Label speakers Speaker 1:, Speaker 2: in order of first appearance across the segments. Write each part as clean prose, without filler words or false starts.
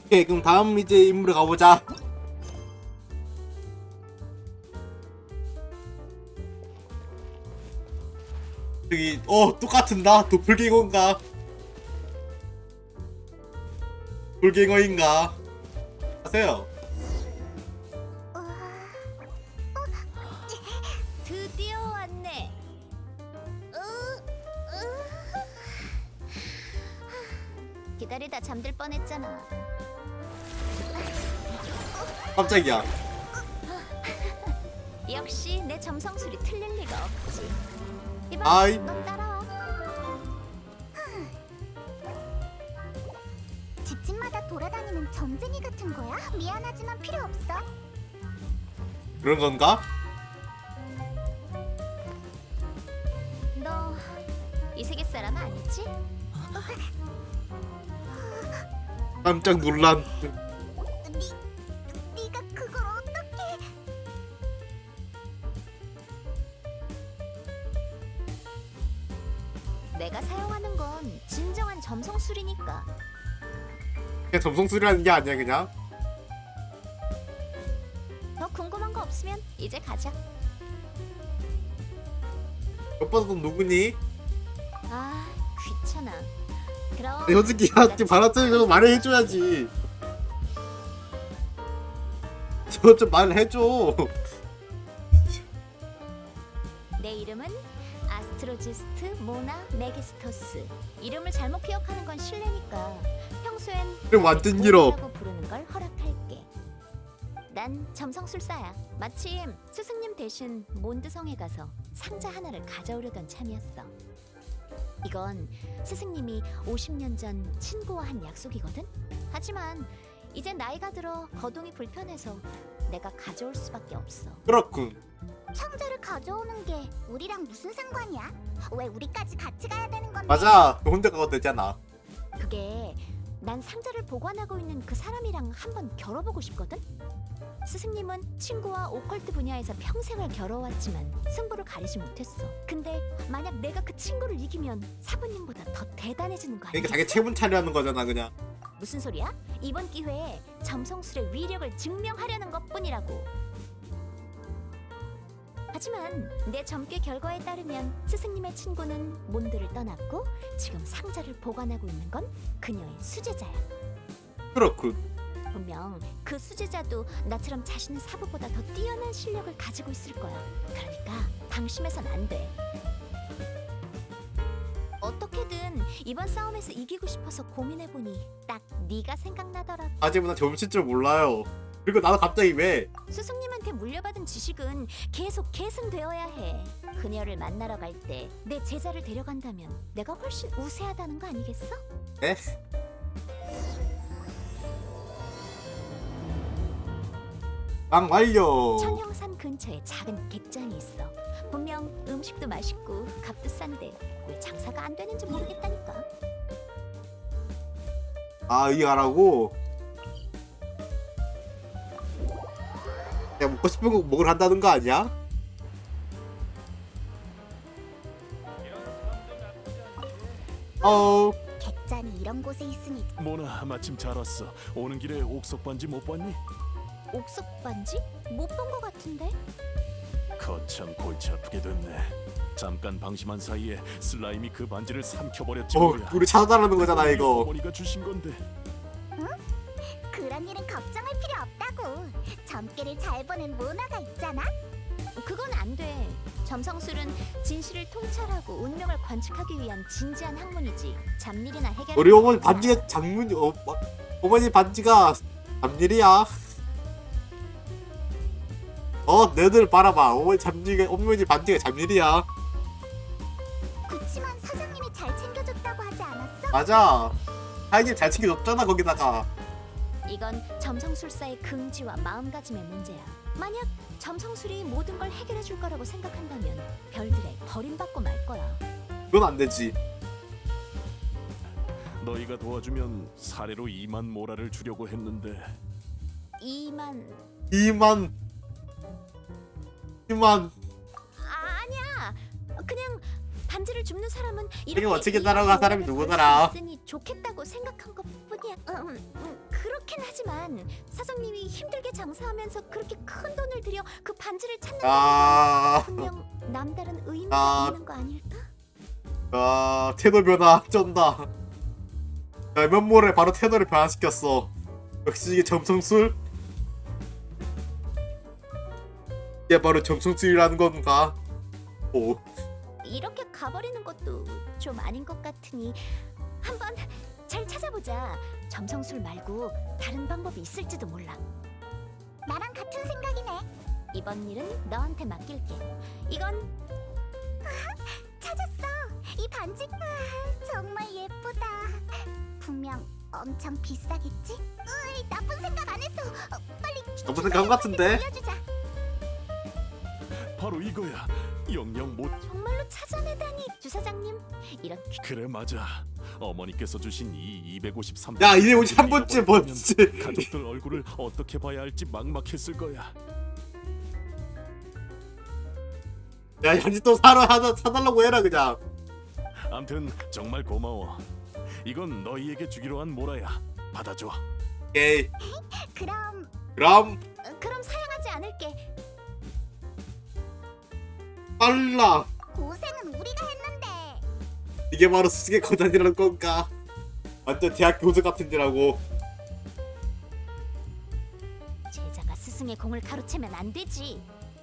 Speaker 1: 오케이, 그럼 다음 이제 인물에 가보자. 저기 똑같은다. 도플갱어인가? 돌갱어인가? 하세요.
Speaker 2: 드디어 왔네. 기다리다 잠들 뻔했잖아.
Speaker 1: 깜짝이야.
Speaker 2: 역시 내 점성술이 틀릴 리가 없지. 이봐,
Speaker 1: 아이.
Speaker 2: 넌 따라와.
Speaker 3: 집집마다 돌아다니는 점쟁이 같은 거야? 미안하지만 필요 없어.
Speaker 1: 그런 건가?
Speaker 2: 너 이 세계 사람 아니지?
Speaker 1: 깜짝 놀란.
Speaker 3: 네가 그걸 어떻게?
Speaker 2: 내가 사용하는 건 진정한 점성술이니까.
Speaker 1: 그냥 점성술이라는 게 아니야 그냥.
Speaker 2: 더 궁금한 거 없으면 이제 가자.
Speaker 1: 오빠도 누구니?
Speaker 2: 아, 귀찮아. 그럼
Speaker 1: 솔직히 야지 바라트리고 말을 해줘야지. 저 좀 말을 해줘.
Speaker 2: 내 이름은 아스트로지스트 모나 메기스토스. 이름을 잘못 기억하는 건 실례니까 평소엔
Speaker 1: 그럼 완전 길어.
Speaker 2: 모나라고 부르는 걸 허락할게. 난 점성술사야. 마침 스승님 대신 몬드성에 가서 상자 하나를 가져오려던 참이었어. 이건 스승님이 50년 전 친구와 한 약속이거든. 하지만 이제 나이가 들어 거동이 불편해서 내가 가져올 수밖에 없어.
Speaker 1: 그렇군.
Speaker 3: 상자를 가져오는 게 우리랑 무슨 상관이야? 왜 우리까지 같이 가야 되는 건데?
Speaker 1: 맞아. 혼자 가도 되잖아.
Speaker 2: 그게 난 상자를 보관하고 있는 그 사람이랑 한번 겨뤄보고 싶거든. 스승님은 친구와 오컬트 분야에서 평생을 겨뤄왔지만 승부를 가리지 못했어. 근데 만약 내가 그 친구를 이기면 사부님보다 더 대단해지는 거
Speaker 1: 그러니까
Speaker 2: 아니겠어?
Speaker 1: 자기 체분 차려하는 거잖아 그냥.
Speaker 2: 무슨 소리야? 이번 기회에 점성술의 위력을 증명하려는 것뿐이라고. 하지만 내 점괘 결과에 따르면 스승님의 친구는 몬드를 떠났고 지금 상자를 보관하고 있는 건 그녀의 수제자야.
Speaker 1: 그렇군.
Speaker 2: 분명 그 수제자도 나처럼 자신의 사부보다 더 뛰어난 실력을 가지고 있을 거야. 그러니까 방심해선 안 돼. 어떻게든 이번 싸움에서 이기고 싶어서 고민해보니 딱 네가 생각나더라고.
Speaker 1: 하지만 난 점칠 줄 몰라요. 그리고 나도 갑자기 왜?
Speaker 2: 스승님한테 물려받은 지식은 계속 계승되어야 해. 그녀를 만나러 갈 때 내 제자를 데려간다면 내가 훨씬 우세하다는 거 아니겠어?
Speaker 1: 에? 빵 완료.
Speaker 2: 천형산 근처에 작은 객장이 있어. 분명 음식도 맛있고 값도 싼데 왜 장사가 안 되는지 모르겠다니까.
Speaker 1: 아 이거 하라고? 내가 먹고 싶은 거 먹으러 한다는 거 아니야?
Speaker 3: 객잔이 이런 곳에 있으니
Speaker 4: 모나 마침 잘 왔어. 오는 길에 옥석 반지 못 봤니?
Speaker 2: 옥석 반지? 못 본 거 같은데?
Speaker 4: 거참 골치 아프게 됐네. 잠깐 방심한 사이에 슬라임이 그 반지를 삼켜버렸지
Speaker 1: 어
Speaker 4: 뭐야.
Speaker 1: 우리 찾아달라는 거잖아 이거.
Speaker 4: 어머니가 주신 건데.
Speaker 3: 그런 일은 걱정할 필요 없다고. 점괘를 잘 보는 모나가 있잖아.
Speaker 2: 그건 안 돼. 점성술은 진실을 통찰하고 운명을 관측하기 위한 진지한 학문이지. 잡일이나 해결.
Speaker 1: 우리 어머니 반지가 장문이 어머니 반지가 잡일이야. 너희들 봐라봐. 어머니 반지가 잡일이야.
Speaker 3: 그치만 사장님이 잘 챙겨줬다고 하지 않았어?
Speaker 1: 맞아. 하이님 잘 챙겨줬잖아 거기다가.
Speaker 2: 이건 점성술사의 긍지와 마음가짐의 문제야. 만약 점성술이 모든 걸 해결해 줄 거라고 생각한다면 별들에 버림받고 말 거야.
Speaker 1: 그건 안 되지.
Speaker 4: 너희가 도와주면 사례로 2만 모라를 주려고 했는데.
Speaker 2: 2만.
Speaker 1: 2만
Speaker 2: 아니야. 그냥 반지를 줍는 사람은
Speaker 1: 이게 어떻게
Speaker 2: 이
Speaker 1: 따라간 사람이
Speaker 2: 오해를
Speaker 1: 누구더라?
Speaker 2: 벌수 있으니 좋겠다고 생각한 것뿐이야. 그렇긴 하지만 사장님이 힘들게 장사하면서 그렇게 큰 돈을 들여 그 반지를 찾는
Speaker 1: 아,
Speaker 2: 분명 남다른 의미가
Speaker 1: 아.
Speaker 2: 있는 거 아닐까?
Speaker 1: 아 태도 변화 쩐다. 야, 면모래 바로 태도를 변화시켰어. 역시 이게 점성술? 이게 바로 점성술이라는 건가? 오,
Speaker 2: 이렇게 가버리는 것도 좀 아닌 것 같으니 한번 잘 찾아보자. 점성술 말고 다른 방법이 있을지도 몰라.
Speaker 3: 나랑 같은 생각이네.
Speaker 2: 이번 일은 너한테 맡길게. 이건
Speaker 3: 찾았어. 이 반지 정말 예쁘다. 분명 엄청 비싸겠지? 으이, 나쁜 생각 안 했어. 빨리
Speaker 1: 나쁜 생각 같은데?
Speaker 3: 빌려주자.
Speaker 4: 바로 이거야. 영영 못.
Speaker 2: 정말로 찾아내다니. 주사장님, 이런
Speaker 4: 그래 맞아. 어머니께서 주신 이 253.
Speaker 1: 야 이제 우리 한 번째 뭔지.
Speaker 4: 가족들 얼굴을 어떻게 봐야 할지 막막했을 거야.
Speaker 1: 야 현지 또 하나 사달라고 해라 그냥.
Speaker 4: 암튼 정말 고마워. 이건 너희에게 주기로 한 모라야. 받아줘.
Speaker 1: 오케이.
Speaker 3: 그럼
Speaker 2: 그럼 사양하지 않을게.
Speaker 1: 빨라.
Speaker 3: 고생은 우리가 했는데.
Speaker 1: 이게 바로 수직의 거단이라는 건가? 완전 대학 교수 같은 데라고.
Speaker 2: 제자가 스승의 공을 가로채면 안 되지.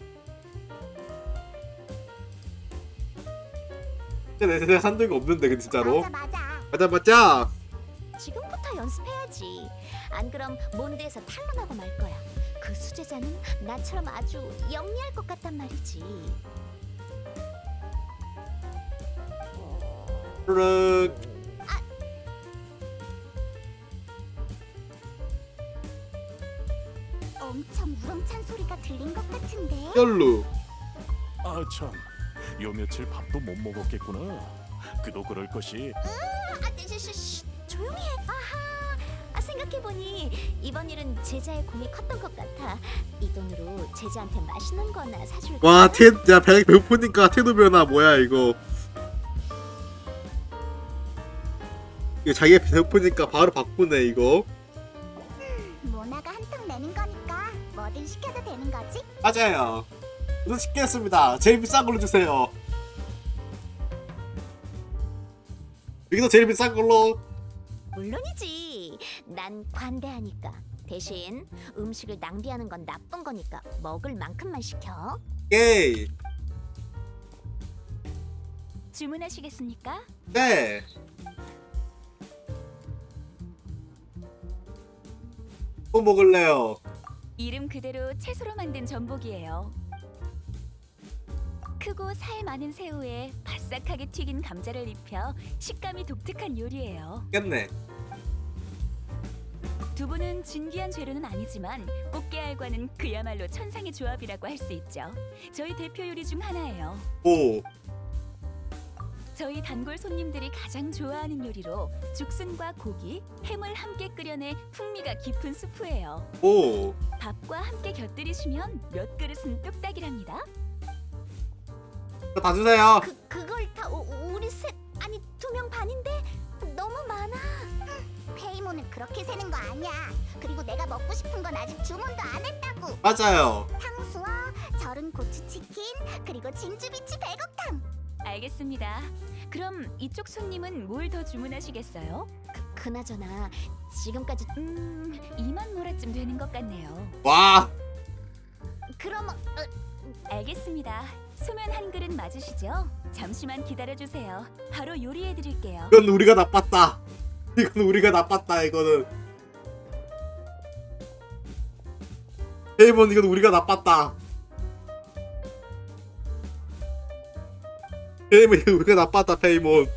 Speaker 1: 내가 산 적이 없는데 그 진짜로.
Speaker 3: 맞아.
Speaker 1: 맞아.
Speaker 2: 지금부터 연습해야지. 안 그럼 몬드에서 탄론하고 말 거야. 그 수제자는 나처럼 아주 영리할 것 같단 말이지.
Speaker 1: 르륵.
Speaker 3: 엄청 우렁찬 소리가 들린 것 같은데.
Speaker 1: 열루.
Speaker 4: 아 참. 요 며칠 밥도 못 먹었겠구나. 그도 그럴 것이.
Speaker 2: 조용히 해. 아하. 생각해보니 이번 일은 제자의 공이 컸던 것 같아. 이 돈으로 제자한테 맛있는 거나 사줄까?
Speaker 1: 와, 야, 배고프니까 태도 변화 뭐야 이거? 이거 자기가 배고프니까 바로 바꾸네 이거.
Speaker 3: 모나가 한턱 내는 거니까 뭐든 시켜도 되는 거지?
Speaker 1: 맞아요. 저도 시켰습니다. 제일 비싼 걸로 주세요. 여기도 제일 비싼 걸로.
Speaker 2: 물론이지. 난 관대하니까. 대신 음식을 낭비하는 건 나쁜 거니까 먹을 만큼만 시켜.
Speaker 1: 오케이.
Speaker 2: 주문하시겠습니까?
Speaker 1: 네. 뭐 먹을래요?
Speaker 5: 이름 그대로 채소로 만든 전복이에요. 크고 살 많은 새우에 바싹하게 튀긴 감자를 입혀 식감이 독특한 요리예요.
Speaker 1: 겠네.
Speaker 5: 두부는 진귀한 재료는 아니지만 꽃게알과는 그야말로 천상의 조합이라고 할 수 있죠. 저희 대표 요리 중 하나예요.
Speaker 1: 오.
Speaker 5: 저희 단골 손님들이 가장 좋아하는 요리로 죽순과 고기, 햄을 함께 끓여내 풍미가 깊은 수프예요.
Speaker 1: 오.
Speaker 5: 밥과 함께 곁들이시면 몇 그릇은 뚝딱이랍니다.
Speaker 1: 이거 다 주세요.
Speaker 2: 그걸 다 우리 셋 아니 2명 반인데 너무 많아.
Speaker 3: 페이몬은 그렇게 세는 거 아니야. 그리고 내가 먹고 싶은 건 아직 주문도 안 했다고.
Speaker 1: 맞아요.
Speaker 3: 탕수와 절은 고추치킨 그리고 진주비치 백옥탕.
Speaker 5: 알겠습니다. 그럼 이쪽 손님은 뭘 더 주문하시겠어요?
Speaker 2: 그나저나 지금까지
Speaker 5: 2만 모라쯤 되는 것 같네요.
Speaker 1: 와.
Speaker 2: 그럼
Speaker 5: 알겠습니다. 소면 한 그릇 맞으시죠? 잠시만 기다려주세요. 바로 요리해드릴게요.
Speaker 1: 이건 우리가 나빴다. 이건 우리가 나빴다. 이거는. 페이몬 이건 우리가 나빴다. 페이몬 이건 우리가 나빴다. 페이몬.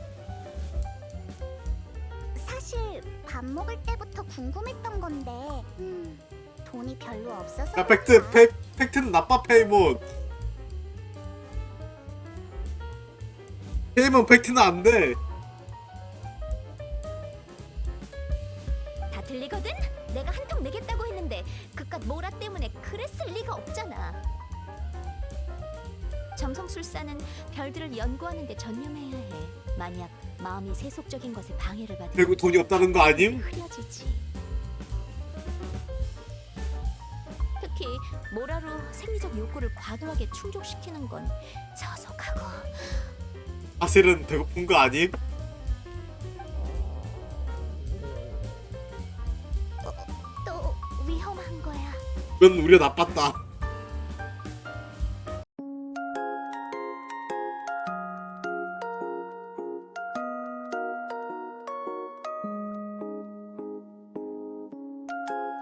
Speaker 3: 사실 밥 먹을 때부터 궁금했던 건데 돈이 별로 없어서.
Speaker 1: 야 팩트는 나빠 페이몬. 페이몬 팩트는 안 돼.
Speaker 2: 다 들리거든? 내가 한턱 내겠다고 했는데 그깟 모라 때문에 그랬을 리가 없잖아. 점성술사는 별들을 연구하는 데 전념해야 해. 만약 마음이 세속적인 것에 방해를 받으면
Speaker 1: 결국 돈이 없다는 거 아님?
Speaker 2: 흐려지지. 특히 모라로 생리적 욕구를 과도하게 충족시키는 건 저속하고
Speaker 1: 사실은 배고픈 거 아님?
Speaker 3: 또 위험한 거야.
Speaker 1: 그건 우리가 나빴다.